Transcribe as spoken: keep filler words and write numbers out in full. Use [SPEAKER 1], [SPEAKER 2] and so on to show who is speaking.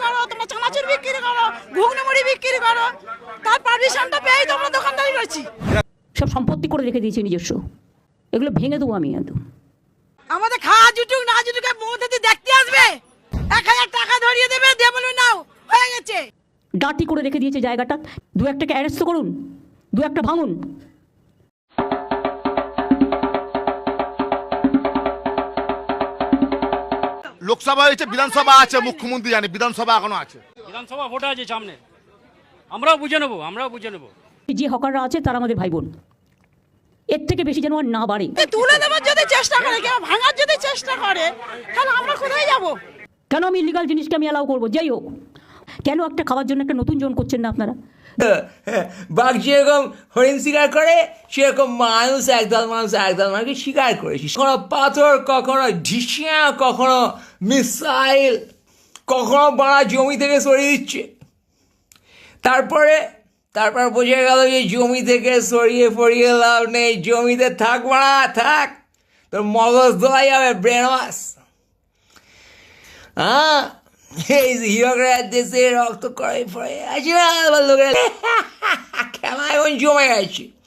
[SPEAKER 1] করো, তোমরা চানাচুর বিক্রি করো, ঘুগনি মুড়ি বিক্রি করো, তার পারমিশনটা পেয়েই তোমরা দোকানদারি করছি।
[SPEAKER 2] সব সম্পত্তি করে রেখে দিয়েছি নিজস্ব, এগুলো ভেঙে দেবো আমি একদম।
[SPEAKER 1] আমাদের খাওয়া জুটুক না জুটুক মধ্যে দিয়ে দেখতে আসবে, এক হাজার টাকা ধরিয়ে দেবে, দিয়ে বলবে নাও হয়ে গেছে।
[SPEAKER 2] ডাটি করে রেখে দিয়েছে জায়গাটা, দু একটাকে অ্যারেস্ট করুন, দু একটা ভাঙুন।
[SPEAKER 3] লোকসভা হয়েছে, বিধানসভা আছে, মুখ্যমন্ত্রী জানে, বিধানসভা এখনো আছে।
[SPEAKER 4] বিধানসভা ভোট আছে সামনে, আমরাও বুঝে নেবো, আমরাও বুঝে নেবো।
[SPEAKER 2] যে হকাররা আছে তারা আমাদের ভাই বোন, এর থেকে বেশি যেন আর না বাড়ে।
[SPEAKER 1] তুলে দেওয়ার যদি চেষ্টা করে, কেউ ভাঙার যদি চেষ্টা করে, তাহলে আমরা কোথায় যাব?
[SPEAKER 2] কেন আমি ইলিগাল জিনিসকে আমি অ্যালাউ করবো? যাই হোক, কেন একটা খাওয়ার জন্য একটা নতুন জোন করছেন না আপনারা?
[SPEAKER 5] বাঘ যেরকম হরিণ শিকার করে, সেরকম মানুষ একদল মানুষ একদল মানুষকে শিকার করেছি। কখনো পাথর, কখনো ঢিসিয়া, কখনো মিসাইল, কখনো বাড়া জমি থেকে সরিয়ে দিচ্ছে। তারপরে তারপর বোঝা গেল যে জমি থেকে সরিয়ে ফরিয়ে লাভ নেই, জমিতে থাক বাড়া থাক, তোর মগজ ধোয়া যাবে, ব্রেন ওয়াশ। হ্যাঁ, এই হিরোগরা দেশে রক্ত করে পড়ে আছে না, লোকের খেলা এখন জমে গেছে।